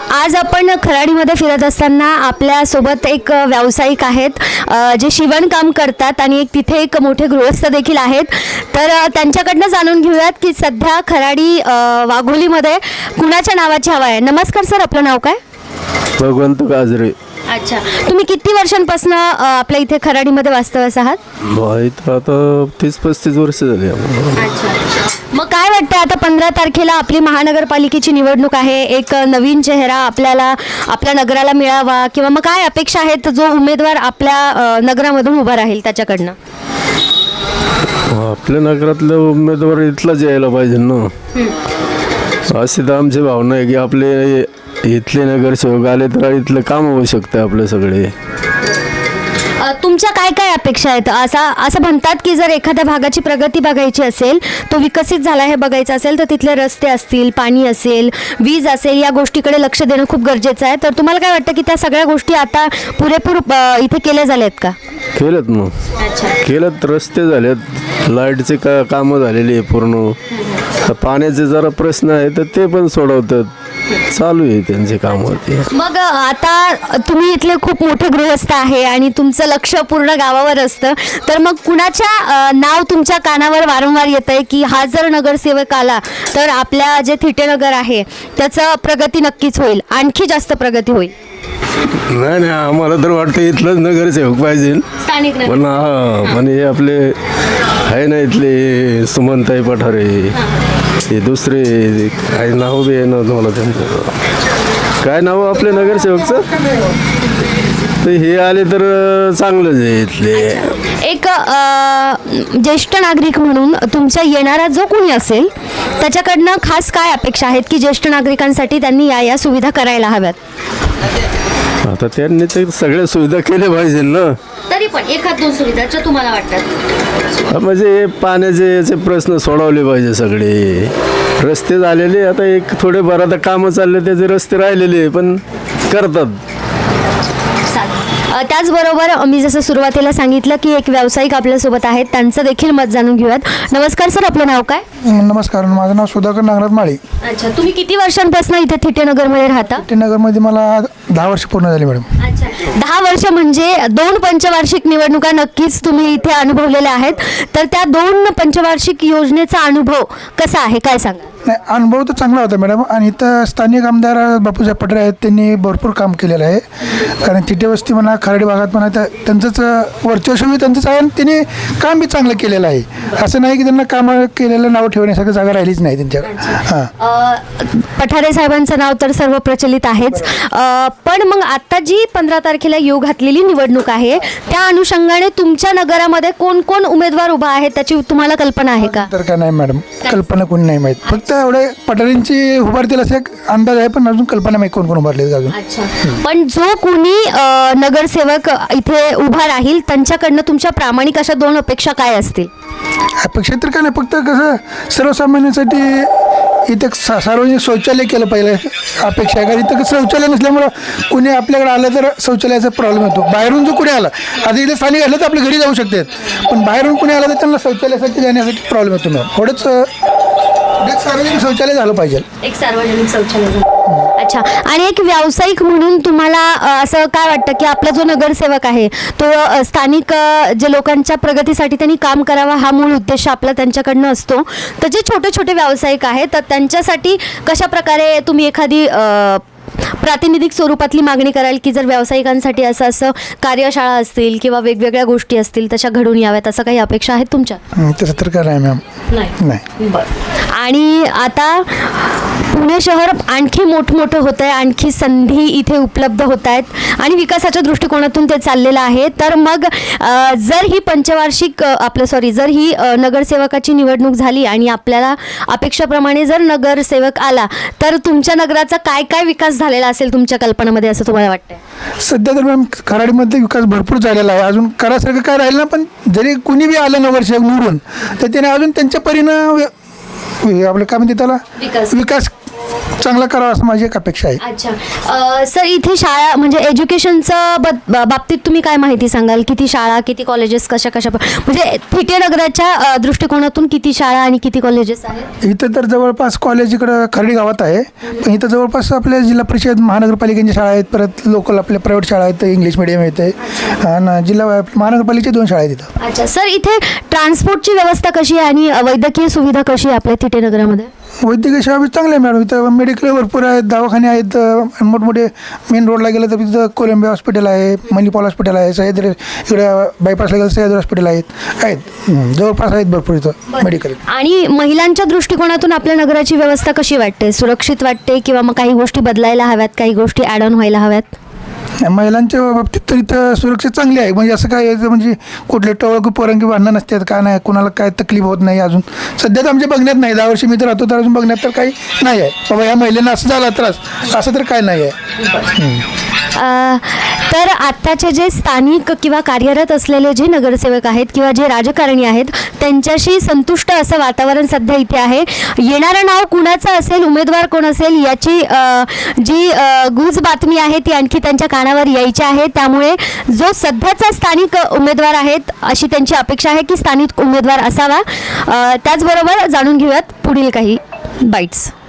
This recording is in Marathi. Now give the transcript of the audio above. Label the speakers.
Speaker 1: आज आपण खराडीमध्ये फिरत असताना आपल्यासोबत एक व्यावसायिक आहेत जे शिवणकाम करतात आणि तिथे एक मोठे गृहस्थ देखील आहेत. तर त्यांच्याकडनं जाणून घेऊयात की सध्या खराडी वाघोलीमध्ये कुणाच्या नावाची हवा आहे. नमस्कार सर, आपलं नाव काय?
Speaker 2: भगवंत गाजरे.
Speaker 1: अच्छा, तुम्ही किती वर्षांपासून आपल्या इथे खराडीमध्ये वास्तव्यास आहात?
Speaker 2: इथं आता 30-35 वर्ष झाली.
Speaker 1: अच्छा, मग काय वाटतं आता 15 तारखेला आपली महानगरपालिकेची निवडणूक आहे, एक नवीन चेहरा आपल्या नगराला मिळावा किंवा मग काय अपेक्षा आहेत जो उमेदवार आपल्या नगरामधून उभा राहील त्याच्याकडनं?
Speaker 2: आपल्या नगरातलं उमेदवार इथलाच यायला पाहिजे ना, अशी तर आमची भावना आहे की आपले इथले नगरसेवक आले तर इथलं काम होऊ शकतं आपले सगळे.
Speaker 1: तुमच्या काय काय अपेक्षा आहेत? असं म्हणतात की जर एखाद्या भागाची प्रगती बघायची असेल, तो विकसित झाला हे बघायचं असेल तर तिथले रस्ते असतील, पाणी असेल, वीज असेल, या गोष्टीकडे लक्ष देणं खूप गरजेचं आहे. तर तुम्हाला काय वाटतं की त्या सगळ्या गोष्टी आता पुरेपूर इथे केल्या झाल्या आहेत का?
Speaker 2: केलेत ना, केलेत. रस्ते झालेत, लाईटचे कामं झालेली आहे पूर्ण. पाण्याचे जरा प्रश्न आहे तर ते पण सोडवतात, चालू आहे त्यांचे कामं.
Speaker 1: मग आता तुम्ही इथले खूप मोठे गृहस्थ आहे आणि तुमचं लक्ष पूर्ण गावावर असतं, तर मग कुणाच्या नाव तुमच्या कानावर वारंवार येत आहे की हा जर नगरसेवक आला तर आपल्या जे थिटेनगर आहे त्याचं प्रगती नक्कीच होईल, आणखी जास्त प्रगती होईल?
Speaker 2: नाही, आम्हाला तर वाटतं इथलंच नगरसेवक पाहिजे. पण पण हे आपले आहे ना इथले सुमनताई पठारे, हे दुसरे काय नाव बी आहे ना तुम्हाला त्यांचं, काय नाव आपल्या नगरसेवकचं, तर हे आले तर चांगलंच आहे इथले.
Speaker 1: एक ज्येष्ठ नागरिक म्हणून तुमच्या येणारा जो कोणी असेल त्याच्याकडनं खास काय अपेक्षा आहेत की ज्येष्ठ नागरिकांसाठी त्यांनी या सुविधा करायला हव्यात?
Speaker 2: आता त्यांनी ते सगळ्या सुविधा केल्या पाहिजे ना.
Speaker 1: तरी पण एखाद दोन सुविधाच्या तुम्हाला वाटतात?
Speaker 2: म्हणजे पाण्याचे याचे प्रश्न सोडवले पाहिजे सगळे. रस्ते झालेले, आता एक थोडेफार आता कामं चालले, त्याचे रस्ते राहिलेले पण करतात.
Speaker 1: त्याचबरोबर मी जसं सुरुवातीला सांगितलं की एक व्यावसायिक आपल्यासोबत आहेत, त्यांचं देखील मत जाणून घेऊयात. नमस्कार सर, आपलं नाव काय?
Speaker 3: नमस्कार, माझं नाव सुधाकर नागराज माळी.
Speaker 1: अच्छा, तुम्ही किती वर्षांपासून इथे थिटेनगरमध्ये राहता?
Speaker 3: थिटेनगरमध्ये मला 10 वर्ष पूर्ण झाली मॅडम.
Speaker 1: अच्छा, 10 वर्ष म्हणजे 2 पंचवार्षिक निवडणुका नक्कीच तुम्ही इथे अनुभवलेल्या आहेत. तर त्या 2 पंचवार्षिक योजनेचा अनुभव कसा आहे, काय सांगा?
Speaker 3: नाही, अनुभव तर चांगला होता मॅडम. आणि इथं स्थानिक आमदार बापूसाहेब पठारे आहेत, त्यांनी भरपूर काम केलेलं आहे. कारण थिटे वस्ती म्हणा, खराडी भागात म्हणा, त्यांचंच वर्चस्व त्यांचंच आहे आणि त्यांनी काम बी चांगलं केलेलं आहे. असं नाही की त्यांना कामं केलेलं नाव ठेवण्यासारखं जागा राहिलीच नाही त्यांच्याकडे.
Speaker 1: पठारे साहेबांचं नाव तर सर्व प्रचलित आहेच, पण मग आता जी 15 तारखेला येऊ घातलेली निवडणूक आहे त्या अनुषंगाने तुमच्या नगरामध्ये कोण कोण उमेदवार उभा आहे त्याची तुम्हाला कल्पना आहे का?
Speaker 3: तर काय नाही मॅडम, कल्पना कोणी नाही माहीत. फक्त एवढे पठारेंची उभारतील असं एक अंदाज आहे, पण अजून कल्पना माहीत कोण कोण उभारले अजून.
Speaker 1: अच्छा, पण जो कोणी नगरसेवक इथे उभा राहील त्यांच्याकडनं तुमच्या प्रामाणिक अशा 2 अपेक्षा काय असतील?
Speaker 3: अपेक्षा तर काय नाही, फक्त कसं सर्वसामान्यांसाठी इथं सार्वजनिक शौचालय केलं पाहिजे अपेक्षा आहे. कारण इथं शौचालय नसल्यामुळं कुणी आपल्याकडे आलं तर शौचालयाचा प्रॉब्लेम होतो. बाहेरून जो कुणी आला, आता इथे स्थानिक आलं तर आपल्या घरी जाऊ शकतात, पण बाहेरून कुणी आलं तर त्यांना शौचालयासाठी जाण्यासाठी प्रॉब्लेम होतो ना. थोडंच सार्वजनिक शौचालय झालं पाहिजे, एक
Speaker 1: सार्वजनिक शौचालय. अच्छा, आणि एक व्यावसायिक म्हणून तुम्हाला असं काय वाटतं की आपला जो नगरसेवक आहे तो स्थानिक जे लोकांच्या प्रगतीसाठी त्यांनी काम करावा हा मूळ उद्देश आपला त्यांच्याकडनं असतो. तर जे छोटे छोटे व्यावसायिक आहेत तर त्यांच्यासाठी कशा प्रकारे तुम्ही एखादी प्रातिनिधिक स्वरूपातली मागणी कराल की जर व्यावसायिकांसाठी असं कार्यशाळा असतील किंवा वेगवेगळ्या गोष्टी असतील तशा घडून याव्यात, असं काही अपेक्षा आहेत तुमच्या?
Speaker 3: तसं तर काय नाही मॅम.
Speaker 1: नाही. बरं. आणि आता पुणे शहर आणखी मोठं होतं आहे, आणखी संधी इथे उपलब्ध होत आहेत आणि विकासाच्या दृष्टिकोनातून ते चाललेलं आहे. तर मग जर ही पंचवार्षिक जर ही नगरसेवकाची निवडणूक झाली आणि आपल्याला अपेक्षाप्रमाणे जर नगरसेवक आला तर तुमच्या नगराचा काय काय विकास झालेला असेल तुमच्या कल्पनामध्ये असं तुम्हाला वाटतंय?
Speaker 3: सध्या तर मॅम खराडीमध्ये विकास भरपूर झालेला आहे. अजून करासारखं काय राहिलं ना, पण जरी कुणी बी आलं नगरसेवक निवडून तर त्याने अजून त्यांच्या परीनं आपलं काय म्हणते त्याला विकास चांगला करावा असं माझी एक अपेक्षा आहे.
Speaker 1: अच्छा सर, इथे शाळा म्हणजे एज्युकेशनचं बाबतीत तुम्ही काय माहिती सांगाल? किती शाळा, किती कॉलेजेस, कशा म्हणजे थिटे नगराच्या दृष्टिकोनातून किती शाळा आणि किती कॉलेजेस आहेत?
Speaker 3: इथं तर जवळपास कॉलेज इकडं खर्डी गावात आहे, पण इथं जवळपास आपल्या जिल्हा परिषद महानगरपालिकेच्या शाळा आहेत, परत लोकल आपल्या प्रायव्हेट शाळा आहेत, इंग्लिश मिडियम येते आणि जिल्हा महानगरपालिकेच्या 2 शाळा आहेत इथं.
Speaker 1: अच्छा सर, इथे ट्रान्सपोर्टची व्यवस्था कशी आहे आणि वैद्यकीय सुविधा कशी आहे आपल्या थिटे नगरामध्ये?
Speaker 3: वैद्यकीय सेवा बी चांगल्या आहे मॅडम. इथं मेडिकल भरपूर आहेत, दवाखाने आहेत, मोठमोठे मेन रोडला गेलं तर तिथं कोलंबिया हॉस्पिटल आहे, मणिपाल हॉस्पिटल आहे, सह्याद्री इकडे बायपासला गेलं सह्याद्री हॉस्पिटल आहेत जवळपास आहेत भरपूर इथं मेडिकल.
Speaker 1: आणि महिलांच्या दृष्टिकोनातून आपल्या नगराची व्यवस्था कशी वाटते? सुरक्षित वाटते किंवा मग काही गोष्टी बदलायला हव्यात, काही गोष्टी ॲड ऑन व्हायला हव्यात?
Speaker 3: महिलांच्या बाबतीत तर इथं सुरक्षा चांगली आहे. म्हणजे असं काय आहे म्हणजे कुठले टवळकी पोरंकी भांडणं नसतात, काय नाही, कुणाला काय तकलीफ होत नाही. अजून सध्या तर आमच्या बघण्यात नाही, 10 वर्ष मी तर राहतो तर अजून बघण्यात तर काही नाही आहे बाबा या महिलेनं असं झाला त्रास असं तर काय नाही आहे.
Speaker 1: तर आत्ताचे जे स्थानिक किंवा कार्यरत असलेले जे नगरसेवक आहेत किंवा जे राजकारणी आहेत त्यांच्याशी संतुष्ट असं वातावरण सध्या इथे आहे. येणारं नाव कुणाचं असेल, उमेदवार कोण असेल याची जी गुज बातमी आहे ती आणखी त्यांच्या कानावर यायची आहे. त्यामुळे जो सध्याचा स्थानिक उमेदवार आहेत अशी त्यांची अपेक्षा आहे की स्थानिक उमेदवार असावा. त्याचबरोबर जाणून घेऊयात पुढील काही बाईट्स.